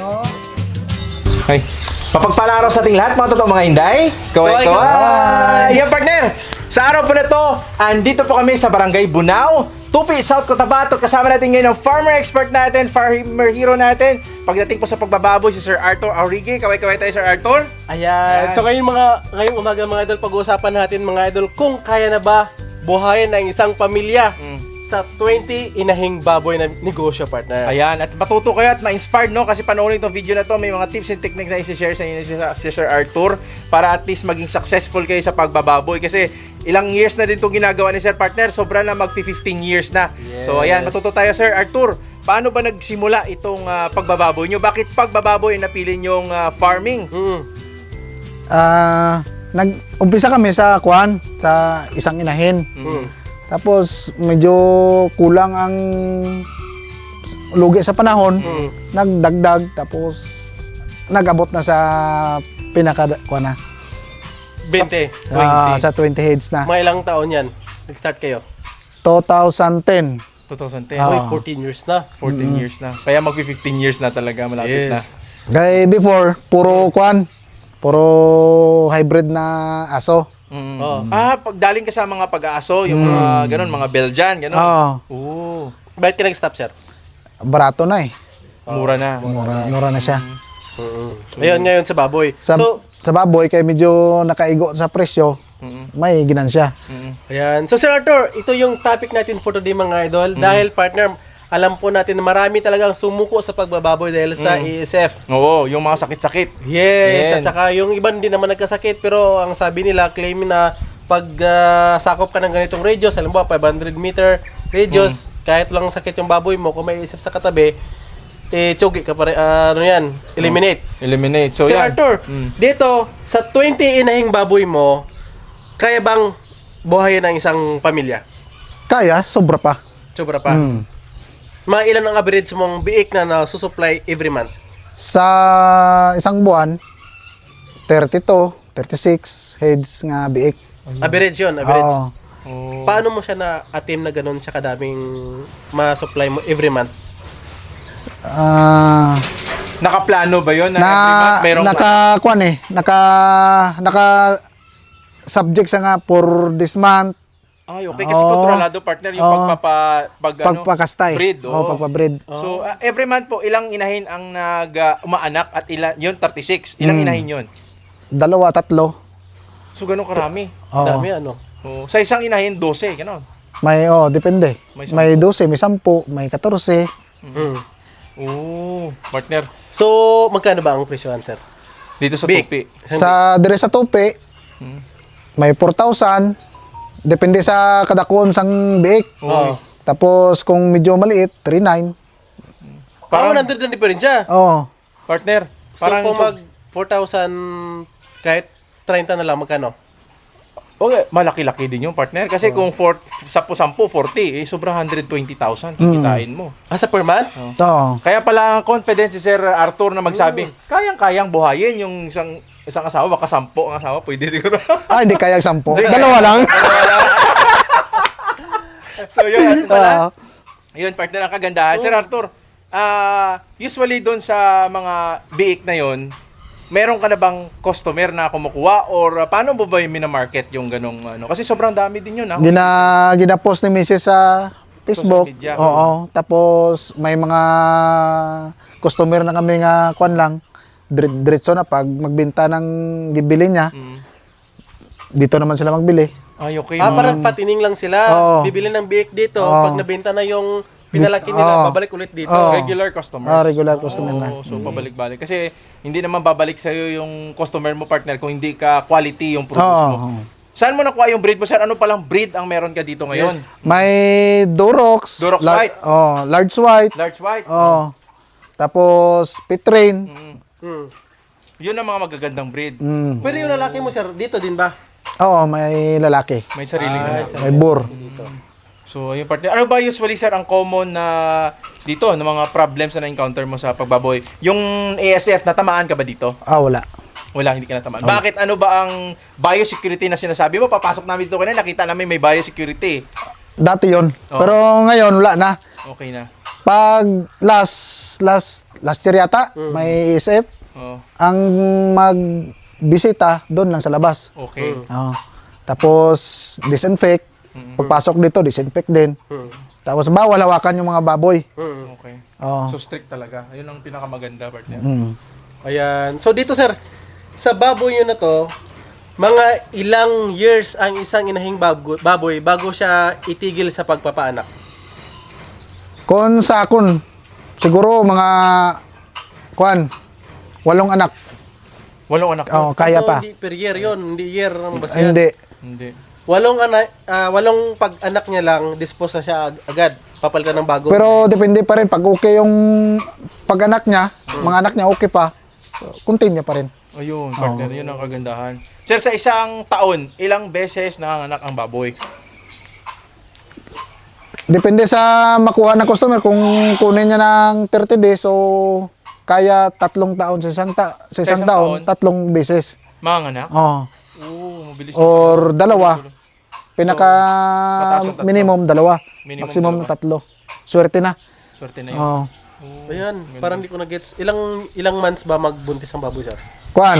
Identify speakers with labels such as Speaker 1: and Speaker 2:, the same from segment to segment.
Speaker 1: Okay. Mapagpalang araw sa ating lahat, mga totoong mga Inday. Kaway-kaway! Yan, partner! Sa araw po na to, andito po kami sa Barangay Bunao, Tupi, South Cotabato. Kasama natin ngayon ang farmer expert natin, farmer hero natin. Pagdating po sa pagbababoy, si Sir Arthur Aurigue. Kaway-kaway tayo, Sir Arthur.
Speaker 2: Ayan. So ngayong umaga mga idol, pag-uusapan natin mga idol kung kaya na ba buhayin ang isang pamilya sa 20 inahing baboy na negosyo, partner.
Speaker 1: Ayan, at matuto kayo at ma-inspired, no? Kasi panoorin itong video na to, may mga tips and techniques na isi-share sa inyo si Sir Arthur para at least maging successful kayo sa pagbababoy. Kasi ilang years na din itong ginagawa ni Sir Partner, sobra na mag-15 years na.
Speaker 2: Yes.
Speaker 1: So ayan, matuto tayo, Sir Arthur. Paano ba nagsimula itong pagbababoy nyo? Bakit pagbababoy ang napili nyong farming?
Speaker 3: Nag-umpisa kami sa isang inahin. Tapos medyo kulang ang lugi sa panahon. Nagdagdag tapos nag-abot na sa pinaka
Speaker 2: 20.
Speaker 3: sa 20 heads na.
Speaker 2: Mga ilang taon yan? Nag-start kayo?
Speaker 3: 2010.
Speaker 1: 2010.
Speaker 2: Uy, 14 years na.
Speaker 1: 14 years na. Kaya mag-15 years na talaga, malapit na.
Speaker 3: Kaya before puro hybrid na aso.
Speaker 1: Pagdaling ka sa mga pag-aaso, yung mga ganun, mga Belgian, ganun. Oo.
Speaker 2: Bakit ka nag-stop, sir?
Speaker 3: Barato na eh.
Speaker 1: Mura na.
Speaker 3: Mura na siya.
Speaker 2: Ayun, ngayon sa baboy.
Speaker 3: Sa baboy kaya medyo nakaigo sa presyo. May ginansya.
Speaker 2: Ayan. So, Sir Arthur, ito yung topic natin for today, mga idol. Dahil, partner, alam po natin na marami talagang sumuko sa pagbababoy dahil sa ESF.
Speaker 1: Oo, yung mga sakit-sakit.
Speaker 2: Yes,
Speaker 1: Yan.
Speaker 2: at saka yung iba hindi naman nagkasakit, pero ang sabi nila, claim na pag sakop ka ng ganitong radius, halimbawa 500 meter radius, kahit lang sakit yung baboy mo, kung may isip sa katabi, tsugi ka pa rin, eliminate.
Speaker 1: Eliminate. So,
Speaker 2: Sir
Speaker 1: yan.
Speaker 2: Arthur, dito, sa 20 inahing baboy mo, kaya bang buhayin ang isang pamilya?
Speaker 3: Kaya, sobra pa.
Speaker 2: Sobra pa. Mga ilan ang average mong biik na nasusupply every month?
Speaker 3: Sa isang buwan, 32, 36 heads nga biik.
Speaker 2: Average yun, average.
Speaker 3: Oo.
Speaker 2: Paano mo siya na-attempt na ganun siya kadaming ma-supply mo every month?
Speaker 1: Nakaplano ba yun? Na every month merong
Speaker 3: naka subject siya nga for this month.
Speaker 1: Ay, okay. Kasi kontrolado, partner, yung
Speaker 3: pagpakastay.
Speaker 1: breed.
Speaker 3: Pagpa-breed.
Speaker 1: So, every month po, ilang inahin ang umaanak at ilan, yun, 36. Ilang inahin yun?
Speaker 3: 2, 3.
Speaker 1: So, ganun karami.
Speaker 3: Oo.
Speaker 2: Dami ano?
Speaker 1: So, sa isang inahin, 12, ganun.
Speaker 3: May, depende.
Speaker 1: May
Speaker 3: May 12, may 10, may 14.
Speaker 1: Oo, partner.
Speaker 2: So, magkano ba ang presyohan, sir?
Speaker 1: Dito sa
Speaker 2: Big.
Speaker 1: Tupi.
Speaker 3: Dire sa Tupi, may 4,000. Depende sa kadakon sang biik.
Speaker 2: Oo.
Speaker 3: Tapos kung medyo maliit, 3,900.
Speaker 2: Parang 100 na diferensya.
Speaker 3: Oo.
Speaker 1: Partner,
Speaker 2: So,
Speaker 1: parang...
Speaker 2: kung mag 4,000 kahit 30 na lang, magkano?
Speaker 1: Okay, malaki-laki din yung partner. Kasi kung 10, 40, sobrang 120,000 kikitain mo.
Speaker 2: Sa per month?
Speaker 3: Oo.
Speaker 1: Kaya pala confident si Sir Arthur na magsabi, kayang-kayang buhayin yung isang asawa, baka 10 ang asawa, pwede siguro.
Speaker 3: Hindi kaya 10. Dalawa lang.
Speaker 1: So yun, yun partner, ang kagandahan. Sir Arthur, usually doon sa mga biik na yun, meron ka na bang customer na kumukuha or paano mo ba yung minamarket yung ganong ano? Kasi sobrang dami din yun.
Speaker 3: Gina-post ni Mrs. sa Facebook.
Speaker 1: Social media.
Speaker 3: Oo. Tapos may mga customer na kami nga kuan lang. Diretso na pag magbenta ng gibili niya. Dito naman sila magbili.
Speaker 1: Ay, okay.
Speaker 2: Parang patining lang sila.
Speaker 3: Oo.
Speaker 2: Bibili ng biik dito.
Speaker 3: Oo.
Speaker 2: Pag nabenta na yung pinalaki nila,
Speaker 3: Oo.
Speaker 2: babalik ulit dito.
Speaker 3: Oo.
Speaker 1: Regular customer.
Speaker 3: Regular customer na.
Speaker 1: So, pabalik-balik. Kasi hindi naman babalik sa'yo yung customer mo, partner, kung hindi ka quality yung produce mo.
Speaker 3: Oo.
Speaker 1: Saan mo nakuha yung breed mo, sir? Ano palang breed ang meron ka dito ngayon?
Speaker 3: May Durox.
Speaker 1: Durox white.
Speaker 3: Large white.
Speaker 1: Large white?
Speaker 3: Tapos Pitrain.
Speaker 1: Yun ang mga magagandang breed.
Speaker 2: Pero yung lalaki mo, sir, dito din ba?
Speaker 3: Oo, may lalaki.
Speaker 1: May sariling anak.
Speaker 3: May bur.
Speaker 1: So, yung partner. Ano ba usually, sir, ang common na dito, ng mga problems na na-encounter mo sa pagbaboy? Yung ASF, natamaan ka ba dito?
Speaker 3: Wala.
Speaker 1: Wala, hindi ka natamaan. Bakit? Ano ba ang biosecurity na sinasabi mo? Papasok namin dito kanina, nakita namin may biosecurity.
Speaker 3: Dati yon. Pero ngayon, wala na.
Speaker 1: Okay na.
Speaker 3: Pag last last year yata, may ESF.
Speaker 1: Oh,
Speaker 3: Ang magbisita doon lang sa labas.
Speaker 1: okay.
Speaker 3: Oo. Tapos disinfect. Pagpasok dito, disinfect din. Tapos bawal hawakan yung mga baboy.
Speaker 1: Okay.
Speaker 3: Oo.
Speaker 1: So strict talaga. Ayun ang pinakamaganda partner.
Speaker 2: Ayan. So dito sir, sa baboy nyo na to, mga ilang years ang isang inahing baboy bago siya itigil sa pagpapaanak?
Speaker 3: Kung sa akon, siguro mga 8 anak.
Speaker 1: 8 anak.
Speaker 3: Oh, kaya
Speaker 2: So,
Speaker 3: pa.
Speaker 2: hindi per year yun, hindi year ng basihan.
Speaker 3: Hindi.
Speaker 1: Hindi.
Speaker 2: 8 pag-anak niya lang, dispose na siya agad. Papalitan ng bago.
Speaker 3: Pero depende pa rin pag okay yung pag-anak niya, mga anak niya okay pa. So, continue pa rin.
Speaker 1: Ayun, partner. Yun ang kagandahan. Sir, sa isang taon, ilang beses nanganganak ang baboy?
Speaker 3: Depende sa makuha ng customer kung kunin niya ng 30 days so kaya 3 taon sa isang, sa isang
Speaker 1: isang
Speaker 3: taon,
Speaker 1: taon?
Speaker 3: 3 beses.
Speaker 1: Manganganak?
Speaker 3: Oh.
Speaker 1: Oo, mabilis.
Speaker 3: Or 2. Pinaka
Speaker 1: mataas ang 3.
Speaker 3: minimum 2.
Speaker 1: Minimum
Speaker 3: Maximum
Speaker 1: 2.
Speaker 3: 3. Swerte na.
Speaker 1: Swerte na yun.
Speaker 3: Oh.
Speaker 2: Ayan, parang hindi ko na-gets. Ilang months ba magbuntis ang baboy, sir?
Speaker 3: Kuan.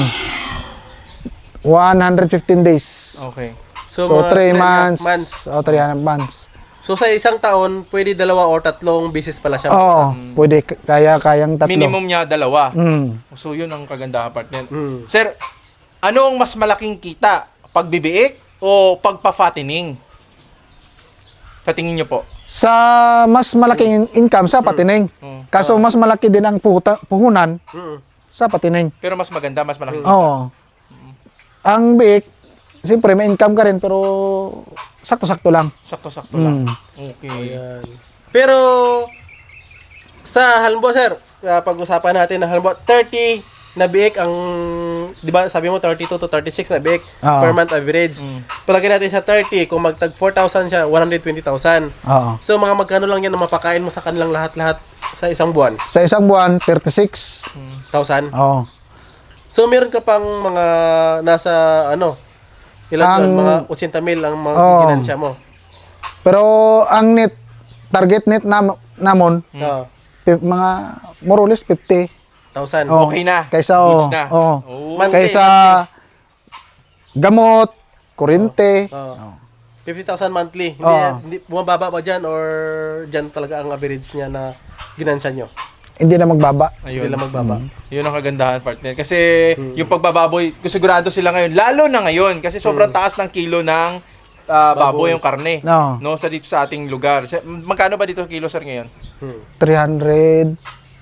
Speaker 3: 115 days.
Speaker 1: Okay.
Speaker 3: So,
Speaker 2: mga
Speaker 3: 3
Speaker 2: 3.5
Speaker 3: months. O, 3 months.
Speaker 2: So sa isang taon, pwede 2 or 3 beses pala siya.
Speaker 3: Oo, pwede. Kayang 3.
Speaker 1: Minimum niya 2.
Speaker 3: Mm.
Speaker 1: So, yun ang kagandahan, partner.
Speaker 2: Mm.
Speaker 1: Sir, ano ang mas malaking kita? Pagbibiik o pagpa-fattening? Sa tingin niyo po?
Speaker 3: Sa mas malaking income sa patining. Kaso mas malaki din ang puhunan
Speaker 2: Mm.
Speaker 3: sa patining.
Speaker 1: Pero mas maganda, mas malaking
Speaker 3: Oo. Ang biik, siyempre may income ka rin pero sakto-sakto lang.
Speaker 1: sakto-sakto lang. Okay.
Speaker 2: Ayan. Pero sa halimbawa, sir, pag-usapan natin na halimbawa 30 na biik ang, di ba sabi mo 32 to 36 na biik
Speaker 3: Oo.
Speaker 2: per month average. Palagay natin sa 30, kung magtag 4,000 siya, 120,000.
Speaker 3: Oo.
Speaker 2: So mga magkano lang yan ang mapakain mo sa kanilang lahat-lahat sa isang buwan?
Speaker 3: Sa isang buwan, 36.
Speaker 2: 1,000?
Speaker 3: Oo.
Speaker 2: So meron ka pang mga nasa ilan
Speaker 3: Ang-
Speaker 2: doon? Mga 80,000 ang mga
Speaker 3: Oo.
Speaker 2: ginansya mo.
Speaker 3: Pero ang target net namon,
Speaker 2: Oo.
Speaker 3: mga more or less 50.
Speaker 2: 1,000.
Speaker 3: Oo.
Speaker 1: Okay na.
Speaker 3: Kaysa,
Speaker 1: Goods na.
Speaker 3: oo.
Speaker 1: Oh.
Speaker 2: Monthly,
Speaker 3: Kaysa gamot, kuryente.
Speaker 2: Oo. 50,000 monthly.
Speaker 3: Oo.
Speaker 2: Hindi bumababa ba dyan or dyan talaga ang average niya na ginansya nyo?
Speaker 3: Hindi na magbaba.
Speaker 1: Ayun.
Speaker 2: Hindi lang magbaba.
Speaker 1: Yun ang kagandahan, partner. Kasi yung pagbababoy, sigurado sila ngayon, lalo na ngayon, kasi sobrang taas ng kilo ng baboy yung karne.
Speaker 3: No.
Speaker 1: No, sa dito sa ating lugar. Magkano ba dito kilo, sir, ngayon?
Speaker 3: 350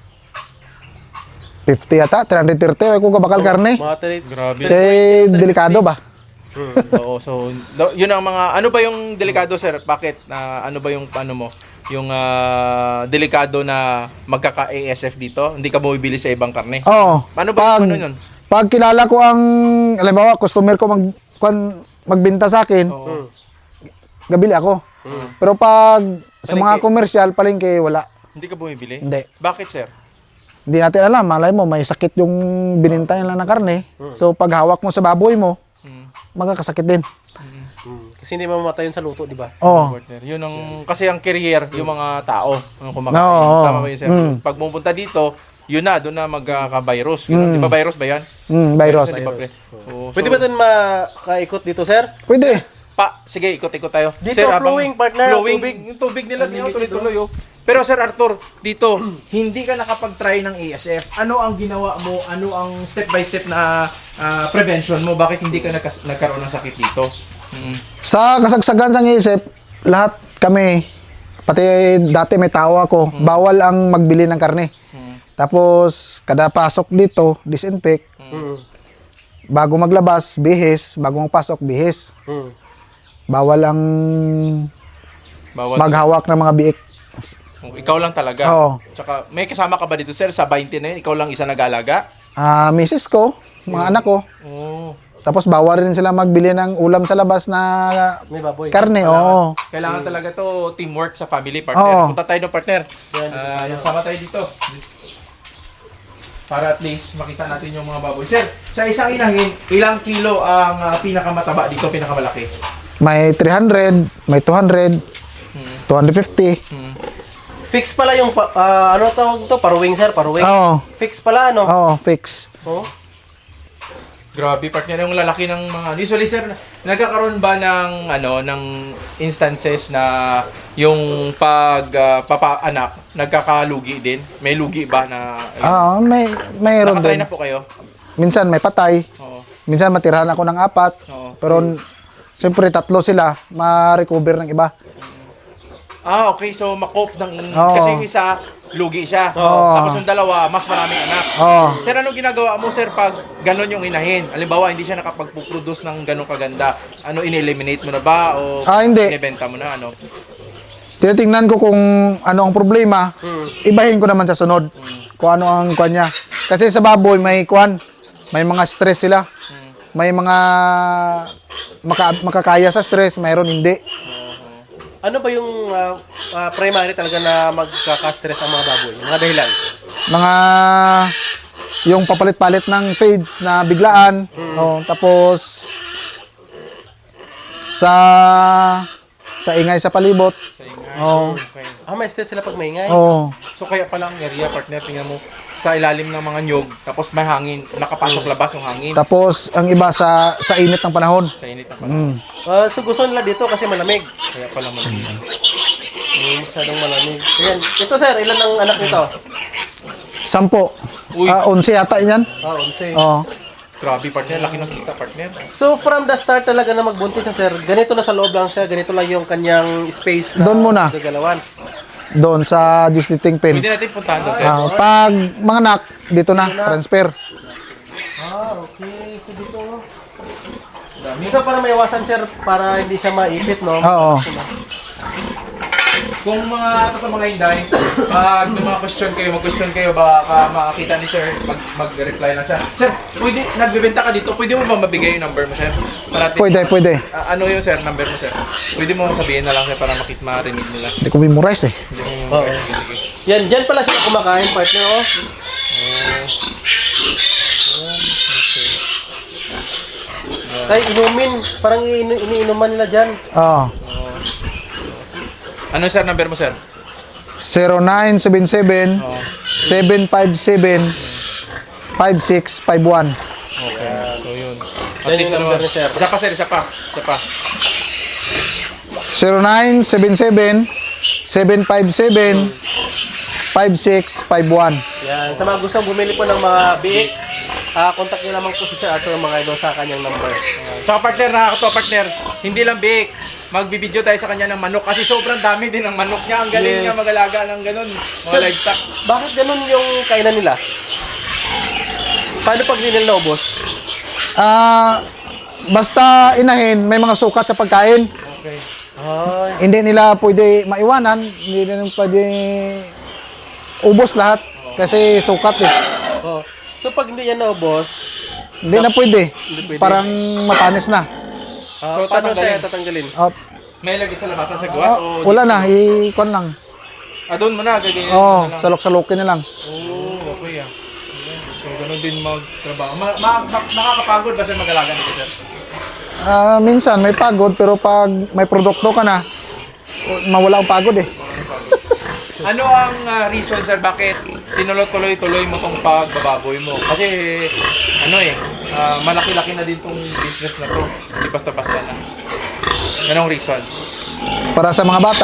Speaker 3: yata, 330. Ay kung bakal karne.
Speaker 2: Mga
Speaker 1: Grabe.
Speaker 3: Kaya delikado ba?
Speaker 1: Oo, so yun ang mga ano ba yung delikado, sir? Bakit ano ba yung ano mo? Yung delikado na magkaka-ASF dito? Hindi ka bumibili sa ibang karne?
Speaker 3: Oo.
Speaker 1: Ano ba yung ano yun?
Speaker 3: Pag kilala ko ang, halimbawa, customer ko magbenta sa akin, gabili ako. Pero pag sa mga komersyal, palengke, wala.
Speaker 1: Hindi ka bumibili?
Speaker 3: Hindi.
Speaker 1: Bakit, sir?
Speaker 3: Hindi natin alam. Malay mo, may sakit yung bininta nila ng karne. So, pag hawak mo sa baboy mo, magkakasakit din.
Speaker 2: Kasi hindi mamamatay yun sa luto, di ba?
Speaker 3: Oo.
Speaker 1: Partner. Yun ang kasi ang carrier yung mga tao ang kumakain.
Speaker 3: Oo.
Speaker 1: Tama ba yun, sir? Pag pumunta dito, yun na doon na magka-virus. Di ba virus ba yan?
Speaker 3: Virus.
Speaker 1: Di ba, pre? Oo,
Speaker 2: Pwede
Speaker 1: so,
Speaker 2: ba ito makaikot dito, sir?
Speaker 3: Pwede.
Speaker 1: sige, ikot-ikot tayo.
Speaker 2: Dito,
Speaker 1: habang-
Speaker 2: flowing, partner,
Speaker 1: Flowing.
Speaker 2: tubig.
Speaker 1: Yung tubig nila, tuloy-tuloy. Oh. Pero Sir Arthur, dito, hindi ka nakapag-try ng ASF. Ano ang ginawa mo? Ano ang step-by-step na prevention mo? Bakit hindi ka nagkaroon ng sakit dito?
Speaker 3: Sa kasagsagan sa isip, lahat kami, pati dati may tao ako, bawal ang magbili ng karne. Tapos, kada pasok dito, disinfect. Bago maglabas, bihis. Bago magpasok, bihis. Bawal ang
Speaker 1: Bawal.
Speaker 3: maghawak ng mga biik.
Speaker 1: Ikaw lang talaga.
Speaker 3: Oo.
Speaker 1: Tsaka, may kasama ka ba dito, Sir? Sa 20 na yun, ikaw lang isa nag-alaga?
Speaker 3: Misis ko, mga anak ko.
Speaker 1: Oo.
Speaker 3: Tapos bawal rin sila magbili ng ulam sa labas na
Speaker 2: May baboy.
Speaker 3: karne. Oo.
Speaker 1: Kailangan talaga to teamwork sa family, partner.
Speaker 3: Oo.
Speaker 1: Punta tayo ng partner. Sama tayo dito. Para at least makita natin yung mga baboy. Sir, sa isang inahin, ilang kilo ang pinakamataba dito, pinakamalaki?
Speaker 3: May 300, may 200, 250.
Speaker 2: Fix pala yung, ano tawag to? Paruwing, sir? Paruwing?
Speaker 3: Oo.
Speaker 2: Fix pala, ano?
Speaker 3: Oo, fix.
Speaker 2: Oh.
Speaker 1: Grabe, partner, yung lalaki ng mga... Usually, sir, nagkakaroon ba ng, ng instances na yung papaanak, nagkakalugi din? May lugi ba na...
Speaker 3: Oo, mayroon
Speaker 1: Nakatry
Speaker 3: din.
Speaker 1: na po kayo?
Speaker 3: Minsan may patay.
Speaker 1: Oo.
Speaker 3: Minsan matirahan ako ng 4.
Speaker 1: Oo.
Speaker 3: Pero siyempre 3 sila, ma-recover ng iba.
Speaker 1: Ah, okay. So, makop ng...
Speaker 3: Oo.
Speaker 1: Kasi yung isa, lugi siya.
Speaker 3: Oo.
Speaker 1: Tapos yung dalawa, mas maraming anak.
Speaker 3: Oo.
Speaker 1: Sir, anong ginagawa mo, sir, pag ganon yung inahin? Halimbawa, hindi siya nakapag-produce ng ganon kaganda. Ano, in-eliminate mo na ba? O
Speaker 3: Hindi.
Speaker 1: inibenta mo na? Ano?
Speaker 3: Tinitingnan ko kung ano ang problema. Ibahin ko naman sa sunod. Kung ano ang kwan niya. Kasi sa baboy may kwan. May mga stress sila. May mga makakaya sa stress, mayroon hindi.
Speaker 2: Ano ba yung primary talaga na magkaka-stress ang mga baboy? Yung mga dahilan?
Speaker 3: Mga yung papalit-palit ng feeds na biglaan. Oh, tapos sa ingay sa palibot.
Speaker 1: Sa ingay.
Speaker 3: Oo.
Speaker 1: Okay.
Speaker 2: May stress sila pag maingay.
Speaker 3: Oh.
Speaker 1: So, kaya pala ang area, partner, tingnan mo, sa ilalim ng mga nyog, tapos may hangin, nakapasok labas yung hangin.
Speaker 3: Tapos ang iba sa init ng panahon.
Speaker 1: Sa init na pala.
Speaker 2: So gusto nila dito kasi malamig.
Speaker 1: Kaya pala malamig.
Speaker 2: Masyadong malamig. Ayan. Ito, sir, ilan ang anak nito?
Speaker 3: 10.
Speaker 1: Uy.
Speaker 3: 11 yata yan.
Speaker 2: 11.
Speaker 3: Oh.
Speaker 1: Grabe, partner. Laki ng kita, partner.
Speaker 2: So from the start talaga na magbuntis siya, sir, ganito na sa loob lang siya, ganito lang yung kanyang space na
Speaker 3: Doon muna.
Speaker 2: gagalawan.
Speaker 3: Doon sa districting pen.
Speaker 1: Pwede natin puntahan doon, sir.
Speaker 3: Pag mga anak, dito na, transfer.
Speaker 2: Okay. So dito, dito para maiwasan, sir, para hindi siya maipit, no?
Speaker 3: Oo.
Speaker 1: Kung mga mga hinday, pag may mga mag-question kayo, baka makakita ni sir, mag-reply lang siya. Sir, pwede, nagbibenta ka dito, pwede mo ba mabigay yung number mo, sir? Para
Speaker 3: Pwede.
Speaker 1: Ano yung sir, number mo, sir? Pwede mo sabihin na lang, sir, para marinig nila.
Speaker 3: Hindi ko memorize eh.
Speaker 2: Oo. Yan, dyan pala sila kumakain, partner, oh. Tay, inumin. Parang iniinuman nila dyan.
Speaker 3: Oo.
Speaker 1: Ano, sir, number mo, sir?
Speaker 3: 0977 757 5651.
Speaker 1: Okay, so yun.
Speaker 2: Yan yung number ni sir.
Speaker 1: Isa pa, sir, isa pa.
Speaker 3: 0977 757 5651.
Speaker 2: Yan. Sa mga gustong bumili po ng mga biik, contact nyo naman po si Sir Arthur mga idol sa kanyang number.
Speaker 1: So, partner, nakakatawa, partner. Hindi lang big. Magbibideo tayo sa kanya ng manok kasi sobrang dami din ng manok niya. Ang galing
Speaker 2: Yes.
Speaker 1: niya mag-alaga ng ganun. Mga livestock.
Speaker 2: Bakit ganun yung kainan nila? Paano pag hindi nila naubos?
Speaker 3: Basta inahin, may mga sukat sa pagkain.
Speaker 1: Okay.
Speaker 2: Ay.
Speaker 3: Hindi nila pwede maiwanan, hindi nila pwede ubos lahat kasi sukat eh.
Speaker 2: Oh. So pag hindi yan naubos,
Speaker 3: Hindi na pwede.
Speaker 2: Hindi pwede.
Speaker 3: Parang matanis na.
Speaker 1: So,
Speaker 2: paano siya
Speaker 1: tatanggalin?
Speaker 2: tatanggalin?
Speaker 3: At,
Speaker 1: May lagi sa labasan sa gawas o...
Speaker 3: wala na, ikon lang.
Speaker 1: Doon mo na, gaganyan
Speaker 3: Oo,
Speaker 1: mo na lang.
Speaker 3: salok-salokin na lang.
Speaker 1: Oo, okay ah. So, ganun din magtrabaho. Nakakapagod ba sa mag-alaga nito, sir?
Speaker 3: Minsan may pagod pero pag may produkto ka na, mawala ang pagod eh.
Speaker 1: Ano ang reason, sir, bakit tinuloy-tuloy mo tong pagbababoy mo? Kasi, malaki-laki na din tong business na to. Hindi basta-basta na. Anong reason?
Speaker 3: Para sa mga bata,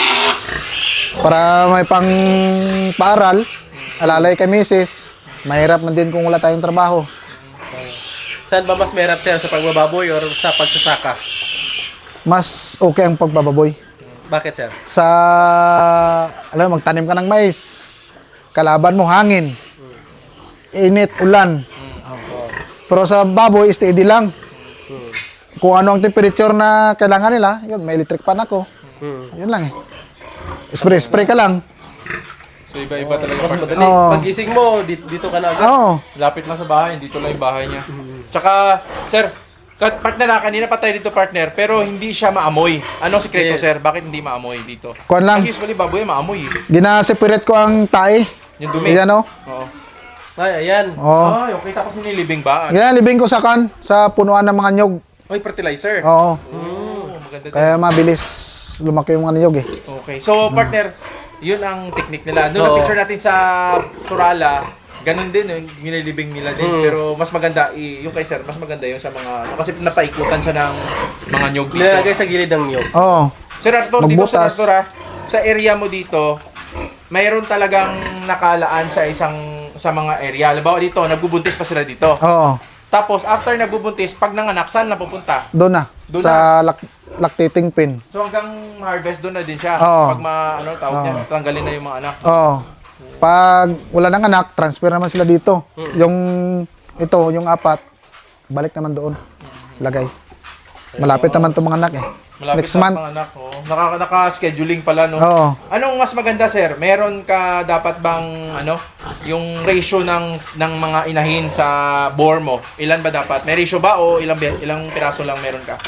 Speaker 3: para may pang paaral, alalay kay misis, mahirap man din kung wala tayong trabaho.
Speaker 2: Saan ba mas mahirap sir? Sa pagbababoy or sa pagsasaka?
Speaker 3: Mas okay ang pagbababoy.
Speaker 2: Bakit sir?
Speaker 3: Sa, alam mo, magtanim ka ng mais, kalaban mo hangin, init, ulan. Pero sa baboy, steady lang. Kung ano ang temperature na kailangan nila, yun, may electric fan ako. Yun lang eh. Spray ka lang.
Speaker 1: So, iba-iba talaga.
Speaker 2: Mas
Speaker 1: partner.
Speaker 2: madali.
Speaker 3: Oo.
Speaker 2: Pagising mo, dito ka na agad.
Speaker 3: Oo.
Speaker 1: Lapit lang sa bahay, dito lang yung bahay niya. Tsaka, sir, partner kanina pa tayo dito, partner, pero hindi siya maamoy. Anong sikreto,
Speaker 2: Yes.
Speaker 1: sir? Bakit hindi maamoy dito?
Speaker 3: Kuwan lang,
Speaker 1: Kasi usually baboy maamoy eh.
Speaker 3: gina-separate ko ang tae.
Speaker 1: Yung dumi.
Speaker 3: Yan o.
Speaker 1: Oo.
Speaker 2: Ay, ayan.
Speaker 3: Oo.
Speaker 1: Ay, okay. Tapos nililibing ba?
Speaker 3: Ganyan, libing ko sa punuan ng mga nyog.
Speaker 1: Ay, fertilizer.
Speaker 3: Oo.
Speaker 1: Oh, maganda din.
Speaker 3: Kaya mabilis lumaki yung mga nyog eh.
Speaker 1: Okay. So, partner, Yun ang technique nila. Doon
Speaker 2: Oo.
Speaker 1: na picture natin sa Surala, ganun din yung nililibing nila din. Pero mas maganda, yung kay Sir, mas maganda yung sa mga, kasi napaikutan siya ng mga nyog dito.
Speaker 2: Nilagay sa gilid ng niyog.
Speaker 3: Oo.
Speaker 1: Sir Arthur, dito sa
Speaker 3: Magbutas.
Speaker 1: Arthur sa area mo dito, mayroon talagang nakalaan sa sa mga area. Halimbawa dito, nagbubuntis pa sila dito.
Speaker 3: Oo.
Speaker 1: Tapos, after nagbubuntis, pag nanganak, saan na pupunta?
Speaker 3: Doon na.
Speaker 1: Doon
Speaker 3: sa lactating pin.
Speaker 1: So hanggang harvest doon na din siya.
Speaker 3: Oo.
Speaker 1: Pag tawag niya, tanggalin na yung mga anak.
Speaker 3: Oo. Pag wala nang anak, transfer naman sila dito. Yung yung apat, balik naman doon. Lagay. Malapit naman itong mga anak eh.
Speaker 1: Malapit
Speaker 3: Next
Speaker 1: na
Speaker 3: month.
Speaker 1: mga anak. Oh. Naka-scheduling pala, no?
Speaker 3: Oo.
Speaker 1: Anong mas maganda, sir? Meron ka dapat bang, yung ratio ng mga inahin sa bore mo? Ilan ba dapat? May ratio ba o ilang piraso lang meron ka?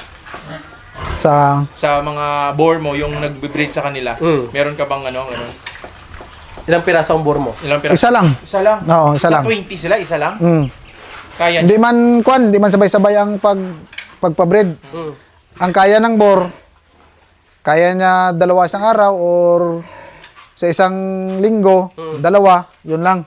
Speaker 3: Sa
Speaker 1: Sa mga bore mo, yung nagbe-breed sa kanila, meron ka bang
Speaker 2: Ilang piraso ang bore mo?
Speaker 1: ilang piraso?
Speaker 3: isa lang.
Speaker 1: Isa lang?
Speaker 3: Oo, isa
Speaker 1: Sa
Speaker 3: lang.
Speaker 1: 20 sila, isa lang?
Speaker 3: Mm.
Speaker 1: Kaya
Speaker 3: Hindi man hindi man sabay-sabay ang pagpa-breed. Ang kaya ng bore, kaya niya dalawa isang araw or sa isang linggo, dalawa, yun lang.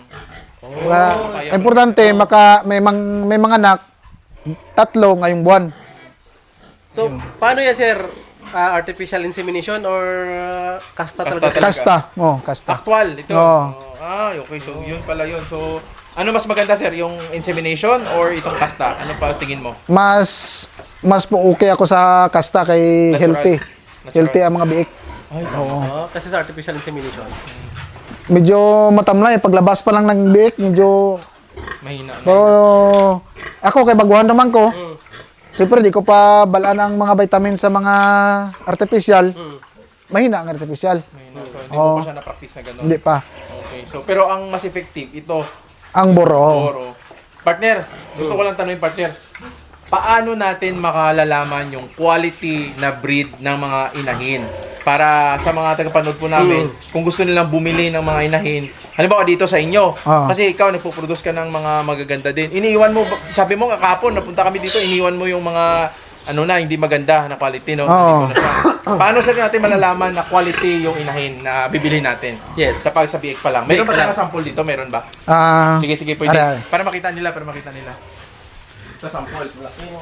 Speaker 3: Importante may mga anak, 3 ngayong buwan.
Speaker 2: So, paano yan, sir? Artificial insemination or kasta talaga sila?
Speaker 3: Kasta. Kasta.
Speaker 1: Actual, ito.
Speaker 3: Oo.
Speaker 1: Okay. So, yun pala yun. So, ano mas maganda, sir? Yung insemination or itong kasta? Ano pa tingin mo?
Speaker 3: Mas po okay ako sa kasta kay
Speaker 1: Natural.
Speaker 3: healthy.
Speaker 1: Natural.
Speaker 3: Healthy ang mga biik.
Speaker 1: Ay,
Speaker 2: Kasi sa artificial insemination.
Speaker 3: Medyo matamlay. Paglabas pa lang ng biik, medyo...
Speaker 1: mahina.
Speaker 3: Pero ako, kay baguhan naman ko. Siyempre, di ko pa balaan ang mga vitamin sa mga artificial. Mahina ang artificial.
Speaker 1: Mahina. So, hindi mo pa siya na-practice na gano'n.
Speaker 3: Hindi pa.
Speaker 1: Okay. So, pero ang mas effective, ito,
Speaker 3: Ang boro.
Speaker 1: Oro. Partner, gusto ko lang tanongin, partner. Paano natin makalalaman yung quality na breed ng mga inahin? Para sa mga tagapanood po namin, kung gusto nilang bumili ng mga inahin, halimbawa dito sa inyo, kasi ikaw nagpo-produce ka ng mga magaganda din. Iniiwan mo, sabi mo nga kahapon, napunta kami dito, iniiwan mo yung mga hindi maganda na quality, no?
Speaker 3: Oo.
Speaker 1: Hindi ko na siya. Paano sir natin malalaman na quality yung inahin na bibili natin?
Speaker 2: Yes.
Speaker 1: Sa pagsabiik pa lang. Meron ba tayong sample dito? Meron ba? Sige, pwede.
Speaker 3: Aray.
Speaker 1: Para makita nila. Sa sample.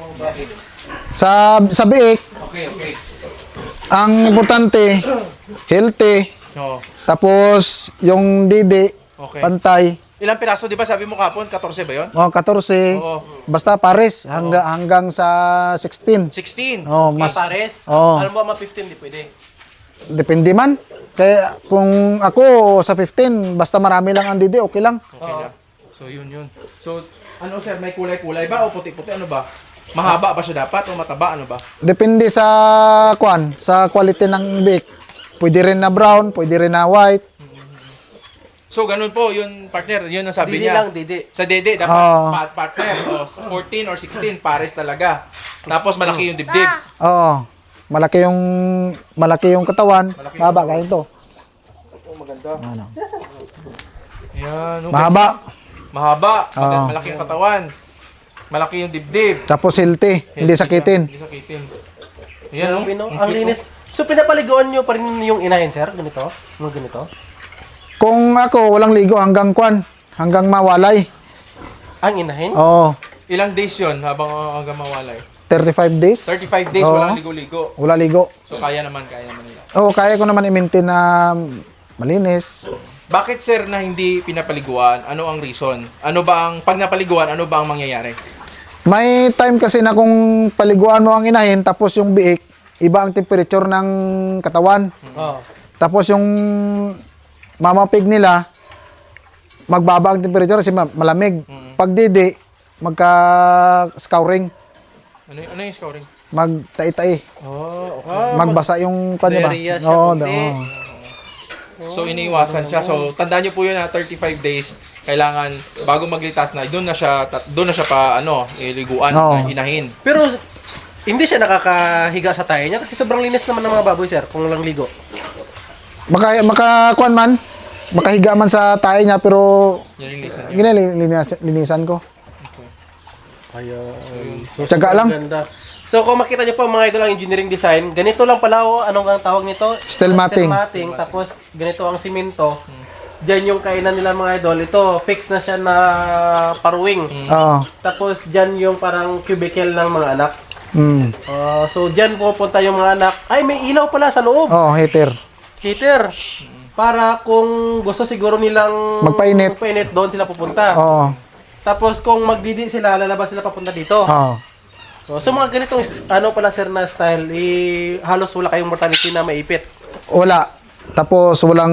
Speaker 3: Sa biik,
Speaker 1: Okay.
Speaker 3: ang importante, healthy.
Speaker 1: Oo.
Speaker 3: Tapos, yung didi,
Speaker 1: Okay.
Speaker 3: pantay.
Speaker 1: Ilang piraso, di ba? Sabi mo kapon, 14 ba yun?
Speaker 3: 14.
Speaker 1: Oo.
Speaker 3: Basta pares. Hanggang sa 16.
Speaker 1: 16.
Speaker 3: Mas.
Speaker 2: Pares?
Speaker 3: Oo.
Speaker 2: Alam mo, mga 15, di pwede.
Speaker 3: Depende man. Kaya kung ako sa 15, basta marami lang ang didi, okay lang.
Speaker 1: Okay na. So, yun. So, ano sir, may kulay-kulay ba o puti-puti? Ano ba? Mahaba ba siya dapat o mataba? Ano ba?
Speaker 3: Depende sa sa quality ng biik. Pwede rin na brown, pwede rin na white.
Speaker 1: So, ganun po, yun, partner, yun ang sabi
Speaker 2: Didi
Speaker 1: niya.
Speaker 2: lang, didi.
Speaker 1: Sa dede, dapat
Speaker 3: Oo.
Speaker 1: partner. O, 14 or 16, pares talaga. Tapos, malaki yung dibdib.
Speaker 3: Oo. Malaki yung katawan. Mahaba ganito.
Speaker 1: Maganda.
Speaker 3: Ano.
Speaker 1: Yan. Okay.
Speaker 3: Mahaba. Oo.
Speaker 1: Malaki yung katawan. Malaki yung dibdib.
Speaker 3: Tapos healthy. Hindi sakitin.
Speaker 1: Hindi sakitin. Yan, no?
Speaker 2: Ang linis. So, pinapaliguan nyo pa rin yung inahin, sir? Ganito? Mga ganito?
Speaker 3: Kung ako, walang ligo hanggang hanggang mawalay.
Speaker 2: Ang inahin?
Speaker 3: Oo.
Speaker 1: Ilang days yun hanggang mawalay?
Speaker 3: 35 days.
Speaker 1: 35 days,
Speaker 3: Oo.
Speaker 1: walang ligo-ligo.
Speaker 3: Wala ligo.
Speaker 1: So, kaya naman nila.
Speaker 3: Oo, kaya ko naman i-maintain na malinis.
Speaker 1: Bakit, sir, na hindi pinapaliguan? Ano ang reason? Pag napaliguan, ano ba ang mangyayari?
Speaker 3: May time kasi na kung paliguan mo ang inahin, tapos yung biik, iba ang temperature ng katawan.
Speaker 2: Oo.
Speaker 3: Tapos yung mamapig nila, magbaba ang temperature kasi malamig. Pag didi, magka-scouring,
Speaker 1: Ano yung scoring?
Speaker 3: magtai-tai.
Speaker 1: Oh, okay.
Speaker 3: Magbasa yung kanya ba?
Speaker 2: Diarrhea siya,
Speaker 3: Oo,
Speaker 2: kundi.
Speaker 1: So, iniiwasan siya. So, tandaan niyo po yun na 35 days, kailangan, bago maglitas na, doon na siya iliguan,
Speaker 3: Oo.
Speaker 1: inahin.
Speaker 2: Pero, hindi siya nakakahiga sa tayo niya kasi sobrang linis naman ng mga baboy, sir, kung lang ligo.
Speaker 3: Makakuan man, makahiga man sa tayo niya, pero
Speaker 1: Nilinisan niyo.
Speaker 3: linisan ko.
Speaker 2: Ayun.
Speaker 3: Tsaga lang.
Speaker 2: Ganda. So kung makita niyo po mga idol ang engineering design, ganito lang pala anong ang tawag nito?
Speaker 3: Steel matting.
Speaker 2: Tapos ganito ang simento. Diyan yung kainan nila mga idol. Ito, fix na siya na paruwing.
Speaker 3: Oo.
Speaker 2: Tapos diyan yung parang cubicle ng mga anak.
Speaker 3: Mm.
Speaker 2: So diyan pupunta yung mga anak. Ay, may ilaw pala sa loob.
Speaker 3: Oo, heater.
Speaker 2: Heater. Para kung gusto siguro nilang
Speaker 3: Magpainit.
Speaker 2: doon sila pupunta.
Speaker 3: Oo.
Speaker 2: Tapos kung magdidi sila, lalabas sila papunta dito.
Speaker 3: Oo.
Speaker 2: So mga ganitong ano pala sir na style, halos wala kayong mortality na maipit.
Speaker 3: Wala. Tapos walang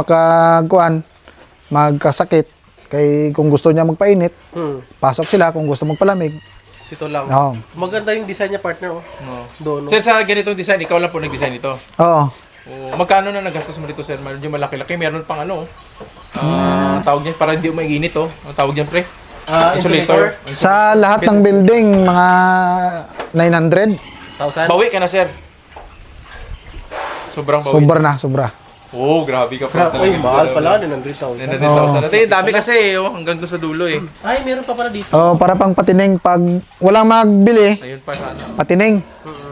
Speaker 3: magkasakit. Kay kung gusto niya magpainit, pasok sila. Kung gusto magpalamig,
Speaker 2: Dito lang.
Speaker 3: oo.
Speaker 2: Maganda yung design niya partner. Doon.
Speaker 1: Sir, sa ganitong design, ikaw lang po nag-design ito.
Speaker 3: Oo.
Speaker 1: Magkano na nagastos mo dito, sir? Medyo malaki-laki. Meron pang ano, tawag niya, para hindi umaiginit, oh. Ang tawag niyan, pre?
Speaker 2: Insulator.
Speaker 3: Sa lahat ng building, mga 900.
Speaker 2: 1,000.
Speaker 1: Bawi ka na, sir. Sobrang bawi.
Speaker 3: Sobra.
Speaker 1: Oh, grabe ka pa
Speaker 2: Uy, mahal pala, 900,000.
Speaker 1: 900,000. Ito yung dami kasi, oh, hanggang doon sa dulo, eh.
Speaker 2: Ay, meron pa pala dito.
Speaker 3: Oh, para pang patining pag walang magbili,
Speaker 1: Ayun pa sana.
Speaker 3: patining.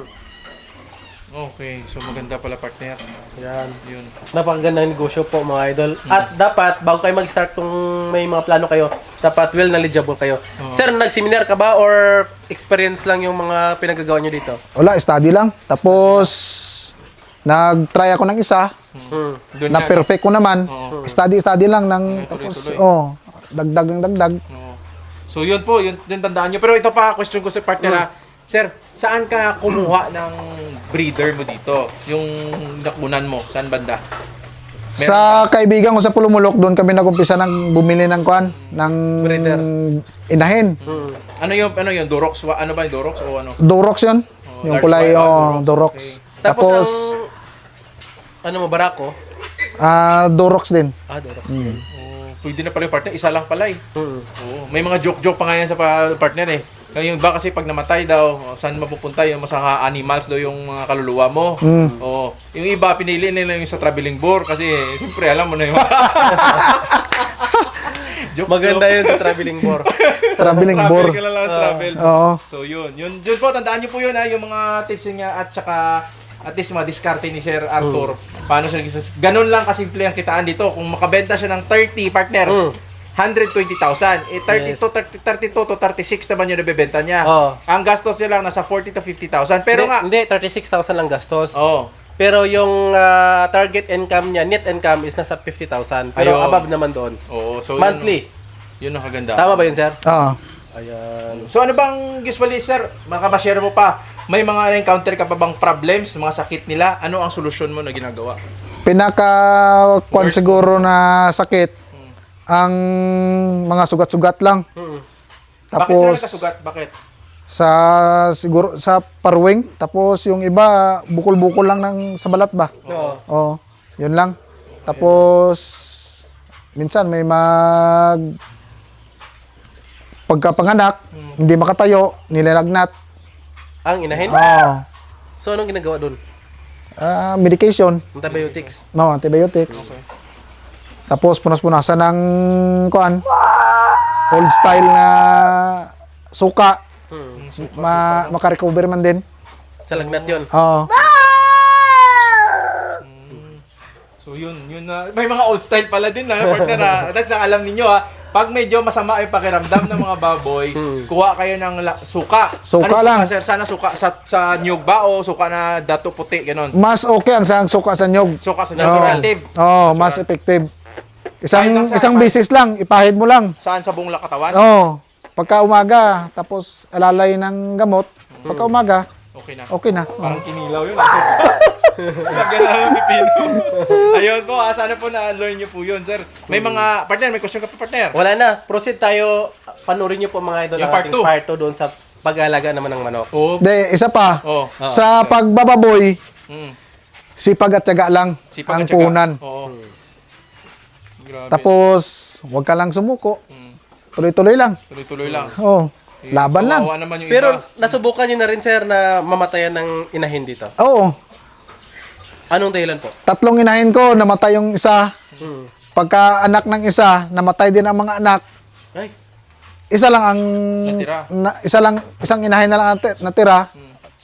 Speaker 1: Okay, so maganda pala, partner.
Speaker 2: Yan.
Speaker 1: Yun.
Speaker 2: Napakagandang negosyo po mga idol. At dapat, bago kayo mag-start kung may mga plano kayo, dapat well knowledgeable kayo. Sir, nag-seminar ka ba or experience lang yung mga pinagagawa nyo dito?
Speaker 3: Wala, study lang. Tapos nag-try ako ng isa,
Speaker 1: Doon
Speaker 3: na perfect ko naman. Study lang ng tapos dagdag ng dagdag.
Speaker 1: Oo. So yun po, yun tandaan nyo. Pero ito pa, question ko sa partner ha. Sir, saan ka kumuha ng breeder mo dito? Yung nakunan mo, saan banda?
Speaker 3: Sa kaibigan ko sa Pulumulok, doon kami nagumpisa ng bumili ng ng
Speaker 1: Breeder.
Speaker 3: inahin.
Speaker 1: Ano yun? Durox? Ano ba yung Durox o ano?
Speaker 3: Durox 'yon. Yung
Speaker 1: large
Speaker 3: kulay
Speaker 1: white,
Speaker 3: Durox.
Speaker 2: Tapos,
Speaker 3: Tapos
Speaker 2: ano mo, barako?
Speaker 3: Durox din.
Speaker 2: Durox.
Speaker 1: Oh, pwede na pala yung partner, isa lang pala eh. Oo. May mga joke-joke pa nga yan sa partner eh. Yung iba kasi pag namatay daw, saan mapupunta yung mga animals daw yung mga kaluluwa mo. Oo. Yung iba pinili nila yung sa traveling bore kasi siyempre alam mo na yung
Speaker 2: Maganda yun sa traveling bore.
Speaker 3: Traveling
Speaker 1: travel
Speaker 3: bore.
Speaker 1: ka lang travel.
Speaker 3: Oo.
Speaker 1: So yun po, tandaan niyo po yun ha, yung mga tips niya at saka at least diskarte ni Sir Arthur. Paano siya naging ganun lang kasimple ang kitaan dito. Kung makabenta siya ng 30 partner, 120,000. 32 to 36 naman yung nabebenta niya. Ang gastos niya lang nasa 40 to 50,000. Pero
Speaker 2: Hindi, 36,000 lang gastos.
Speaker 1: Oh.
Speaker 2: Pero yung target income niya, net income is nasa 50,000. Pero
Speaker 1: Ayun.
Speaker 2: above naman doon.
Speaker 1: Oo, so
Speaker 2: Monthly.
Speaker 1: Yun ang kaganda.
Speaker 2: Tama ba yun, sir?
Speaker 3: Oo.
Speaker 2: Ayan.
Speaker 1: So ano bang usually sir, makabashare mo pa, may mga encounter ka pa bang problems, mga sakit nila? Ano ang solusyon mo na ginagawa?
Speaker 3: Pinaka siguro na sakit ang mga sugat-sugat lang.
Speaker 1: Bakit
Speaker 3: Tapos
Speaker 1: sila nakasugat? Bakit?
Speaker 3: siguro sa parwing, tapos yung iba bukol-bukol lang sa balat ba? Oo. Yun lang. Tapos minsan may pagkapanganak, hindi makatayo, nilalagnat.
Speaker 2: Ang inahin?
Speaker 3: Oo.
Speaker 2: So, anong ginagawa doon?
Speaker 3: Medication,
Speaker 2: Antibiotics.
Speaker 3: no, antibiotics. Tapos punas-punasan ng old style na suka. Makarecover man din.
Speaker 2: Sa lagnat yun.
Speaker 3: Oo.
Speaker 1: So yun na. May mga old style pala din na partner ha. That's alam niyo ha. Pag medyo masama yung pakiramdam ng mga baboy, kuha kayo ng suka.
Speaker 3: Suka
Speaker 1: ano
Speaker 3: lang.
Speaker 1: Suka, sir? Sana suka sa nyug ba o suka na dato puti, ganun?
Speaker 3: Mas okay ang suka sa nyog.
Speaker 1: Suka sa nyug, effective.
Speaker 3: Oo, mas effective.
Speaker 1: Kahit lang sa
Speaker 3: Isang bisis lang, ipahid mo lang.
Speaker 1: Saan sa buong katawan?
Speaker 3: Oo. Pagka umaga, tapos alalay ng gamot, pagka umaga,
Speaker 1: Okay na.
Speaker 3: okay na.
Speaker 1: Parang kinilaw yun. Lagyan na ng pipino. Ayun po, sana po na-learn nyo po yun, sir. May mga, partner, may question ka pa, partner.
Speaker 2: Wala na. Proceed tayo. Panurin niyo po mga idol
Speaker 1: Yung
Speaker 2: ang
Speaker 1: part
Speaker 2: ating
Speaker 1: two.
Speaker 2: part 2 doon sa pag-aalaga naman ng manok.
Speaker 1: Oo.
Speaker 3: De, isa pa.
Speaker 1: Oh.
Speaker 3: Sa pagbababoy,
Speaker 1: Mm.
Speaker 3: sipag at tiyaga lang
Speaker 1: Sipag
Speaker 3: ang
Speaker 1: at tiyaga.
Speaker 3: puhunan.
Speaker 1: Oo. Grabe.
Speaker 3: Tapos, huwag ka lang sumuko. Tuloy-tuloy lang.
Speaker 1: Tuloy-tuloy lang.
Speaker 3: Oo. Laban lang.
Speaker 1: Kawawa naman yung
Speaker 2: Pero
Speaker 1: iba.
Speaker 2: nasubukan niyo na rin, sir, na mamatayan ng inahin dito.
Speaker 3: Oo.
Speaker 2: Anong dahilan po?
Speaker 3: 3 inahin ko, namatay yung isa. Pagka anak ng isa, namatay din ang mga anak.
Speaker 2: Ay,
Speaker 3: Isa lang ang
Speaker 1: Natira.
Speaker 3: isang inahin na lang natira.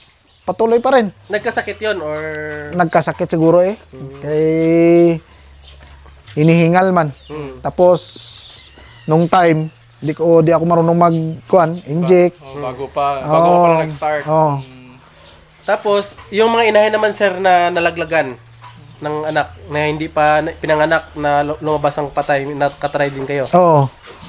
Speaker 3: patuloy pa rin.
Speaker 2: Nagkasakit yon or...
Speaker 3: Nagkasakit siguro eh. Kay hinihingal man. Tapos nung time, di ako marunong inject.
Speaker 1: Bago pa lang nag-start.
Speaker 3: Oo.
Speaker 2: Tapos, yung mga inahin naman, sir, na nalaglagan ng anak na hindi pa pinanganak na lumabas ang patay, nakatry din kayo.
Speaker 3: Oo.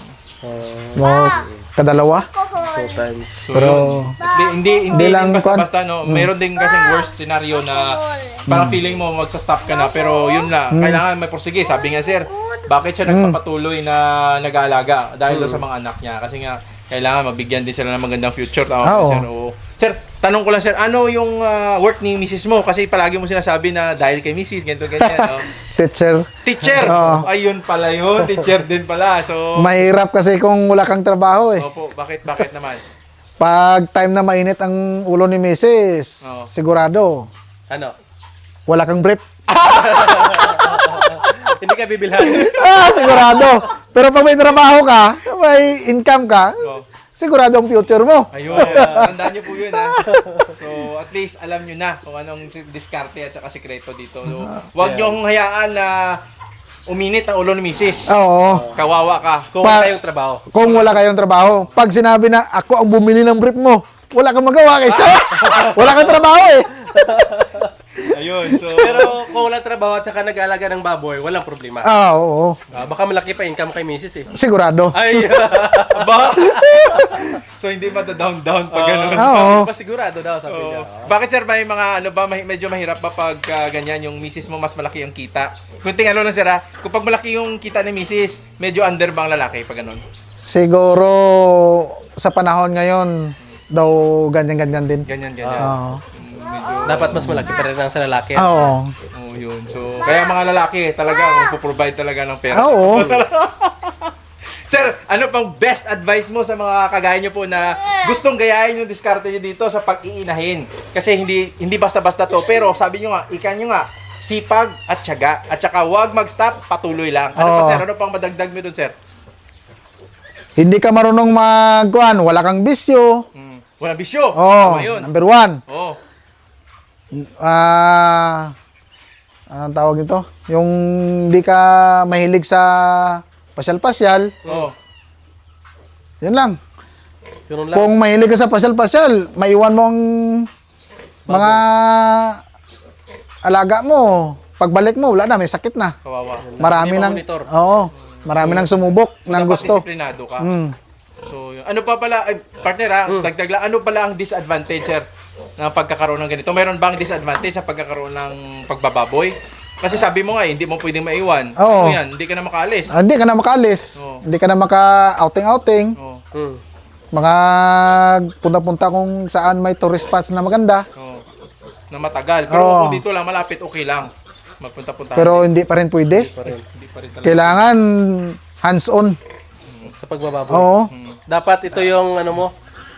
Speaker 3: Kadalawa.
Speaker 2: 2 times.
Speaker 1: So,
Speaker 3: Pero
Speaker 1: hindi
Speaker 3: lang
Speaker 1: din basta-basta, no. Mayroon din kasing worst scenario na parang feeling mo magsa-stop ka na, pero yun na, kailangan may prosige. Sabi nga, sir, bakit siya nagpapatuloy na nag-aalaga? Dahil doon sa mga anak niya. Kasi nga, kailangan mabigyan din sila ng magandang future. Tama ba,
Speaker 3: Oo.
Speaker 1: sir? Oo. Sir, tanong ko lang, sir, ano yung work ni Mrs. mo? Kasi palagi mo sinasabi na dahil kay Mrs. ganito, ganyan. No?
Speaker 3: teacher.
Speaker 1: Teacher!
Speaker 3: Oo.
Speaker 1: Ayun pala yun. Teacher din pala. So,
Speaker 3: Mahirap kasi kung wala kang trabaho eh.
Speaker 1: opo, bakit naman?
Speaker 3: Pag time na mainit ang ulo ni Mrs.,
Speaker 1: Oo.
Speaker 3: sigurado,
Speaker 2: Ano?
Speaker 3: wala kang brief.
Speaker 2: Hindi ka bibilhan.
Speaker 3: Sigurado. Pero pag may trabaho ka, may income ka,
Speaker 1: Oo.
Speaker 3: sigurado ang future mo.
Speaker 1: Ayun, tandaan niyo po yun ha. So, at least alam niyo na kung anong diskarte at saka sikreto dito. So, huwag niyo hong hayaan na uminit ang ulo ni Mrs.
Speaker 3: Oo.
Speaker 1: Kawawa ka.
Speaker 2: Kung wala kayong trabaho.
Speaker 3: Kung wala kayong trabaho, pag sinabi na ako ang bumili ng brief mo, wala kang magawa kaysa. Wala kang trabaho eh.
Speaker 1: Ayun, so...
Speaker 2: Pero kung wala trabaho at saka nag-aalaga ng baboy, walang problema.
Speaker 3: Oo.
Speaker 2: Baka malaki pa income kay Mrs. eh.
Speaker 3: Sigurado.
Speaker 2: Ay,
Speaker 1: Ba? So, hindi down pag ganun.
Speaker 3: Oo.
Speaker 2: pa sigurado daw sabi niya.
Speaker 1: Bakit sir, may mga ano ba, medyo mahirap ba pag ganyan yung misis mo mas malaki yung kita? Kunting ano lang sir ha, kapag malaki yung kita ni misis, medyo under ba ang lalaki pag ganun?
Speaker 3: Siguro sa panahon ngayon, daw ganyan-ganyan din.
Speaker 1: Ganyan.
Speaker 3: Oo.
Speaker 2: Dapat mas malaki pa rin ang sa lalaki.
Speaker 3: Oo.
Speaker 1: Oh, yun. So, kaya mga lalaki talaga magpo-provide talaga ng pera.
Speaker 3: Oo.
Speaker 1: Sir, ano pang best advice mo sa mga kagaya nyo po na gustong gayahin yung diskarte nyo dito sa pag-iinahin? Kasi hindi basta-basta to. Pero sabi nyo nga, ika nyo nga, sipag at tiyaga. At saka huwag mag-stop, patuloy lang. Ano pa
Speaker 3: Oo.
Speaker 1: sir? Ano pang madagdag mo dun sir?
Speaker 3: Hindi ka marunong wala kang bisyo.
Speaker 1: Walang bisyo.
Speaker 3: Oo.
Speaker 1: Tama yun.
Speaker 3: Number 1.
Speaker 1: Oo.
Speaker 3: Anong tawag nito? Yung hindi ka mahilig sa pasyal-pasyal,
Speaker 1: Oo.
Speaker 3: yun lang.
Speaker 2: Ganun lang.
Speaker 3: Kung mahilig ka sa pasyal-pasyal, maiwan mo ang mga alaga mo. Pagbalik mo, wala na, may sakit na.
Speaker 1: Kawawa.
Speaker 3: Marami
Speaker 2: Hindi
Speaker 3: nang,
Speaker 2: ma-monitor.
Speaker 3: oo, marami nang sumubok ng
Speaker 1: Dapat
Speaker 3: gusto.
Speaker 1: disiplinado ka.
Speaker 3: Mm.
Speaker 1: So, yun. Ano pa pala, partner ha, dagdag lang, ano pala ang disadvantage sir ng pagkakaroon ng ganito? Meron bang disadvantage sa pagkakaroon ng pagbababoy? Kasi sabi mo nga, hindi mo pwedeng maiwan.
Speaker 3: Oo.
Speaker 1: Ano yan? Hindi ka na makaalis.
Speaker 3: Hindi ka na makalis.
Speaker 1: Oo.
Speaker 3: Hindi ka na maka-outing-outing.
Speaker 1: Oo.
Speaker 3: Mga punta-punta kung saan may tourist spots na maganda.
Speaker 1: Oo. Na matagal. Pero
Speaker 3: Oo.
Speaker 1: kung dito lang, malapit, okay lang. Magpunta-punta.
Speaker 3: Pero hindi pa rin pwede.
Speaker 1: hindi pa rin talaga.
Speaker 3: Kailangan hands-on.
Speaker 2: Sa pagbababoy.
Speaker 3: Oo.
Speaker 2: Dapat ito yung ano mo,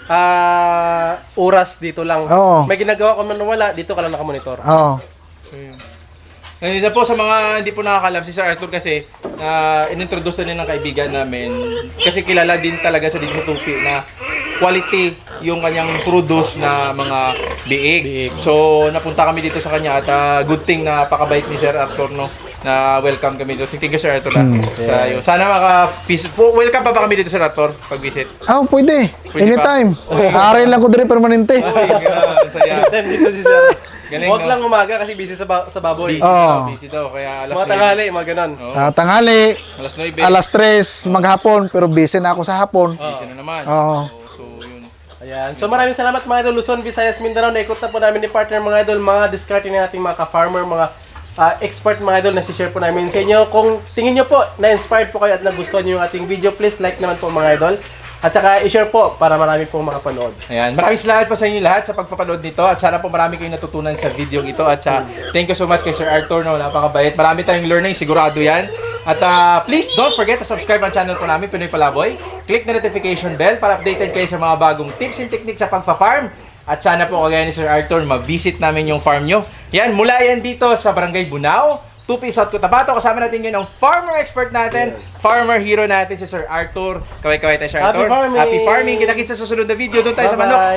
Speaker 2: oras dito lang.
Speaker 3: Oo.
Speaker 2: May ginagawa ka man na wala, dito ka lang nakamonitor.
Speaker 3: Oo.
Speaker 1: Ngayon po sa mga hindi po nakakalam si Sir Arthur kasi inintroduce na ng kaibigan namin kasi kilala din talaga sa dito sa Tupi na quality yung kanyang produce na mga biik. So napunta kami dito sa kanya at good thing na pakabait ni Sir Arthur no na welcome kami dito. Thank you Sir Arthur sa iyo. Sana welcome pa ba kami dito Sir Arthur pag visit?
Speaker 3: Pwede.
Speaker 1: Pwede
Speaker 3: Anytime. Aray lang ko din permanente.
Speaker 1: Oy, saya.
Speaker 2: Dito si Sir.
Speaker 1: Galing,
Speaker 2: Huwag
Speaker 1: no?
Speaker 2: lang umaga kasi busy sa baboy.
Speaker 1: Busy daw kaya alas
Speaker 2: Mga
Speaker 1: 9.
Speaker 2: tanghali, mga ganon.
Speaker 3: Tanghali,
Speaker 1: Alas 9.
Speaker 3: alas 3 maghapon, pero busy na ako sa hapon.
Speaker 1: Busy na naman.
Speaker 3: Oo.
Speaker 1: So yun.
Speaker 2: Ayan. So maraming salamat mga idol Luzon, Visayas, Mindanao. Naikot na po namin ni partner mga idol, mga diskarte ng ating mga ka-farmer, mga expert mga idol na si-share po namin sa inyo. Kung tingin nyo po, na-inspired po kayo at nagustuhan nyo yung ating video, please like naman po mga idol. At saka i-share po para marami pong makapanood.
Speaker 1: Ayan, maraming salamat po sa inyo lahat sa pagpapanood nito at sana po marami kayong natutunan sa video ito at sa thank you so much kay Sir Arthur no, napakabait. Marami tayong learning, sigurado yan. At please don't forget to subscribe ang channel po namin, Pinoy Palaboy. Click the notification bell para updated kayo sa mga bagong tips and techniques sa pagpa-farm. At sana po kagaya ni Sir Arthur, ma-visit namin yung farm nyo. Yan, mula yan dito sa Barangay Bunao, Tupi, South Cotabato. Kasama natin yun ang farmer expert natin, farmer hero natin si Sir Arthur. Kaway-kaway tayo Sir Arthur.
Speaker 2: Happy farming!
Speaker 1: Happy farming! Kita-kits sa susunod na video. Doon tayo sa
Speaker 2: Bye-bye.
Speaker 1: manok.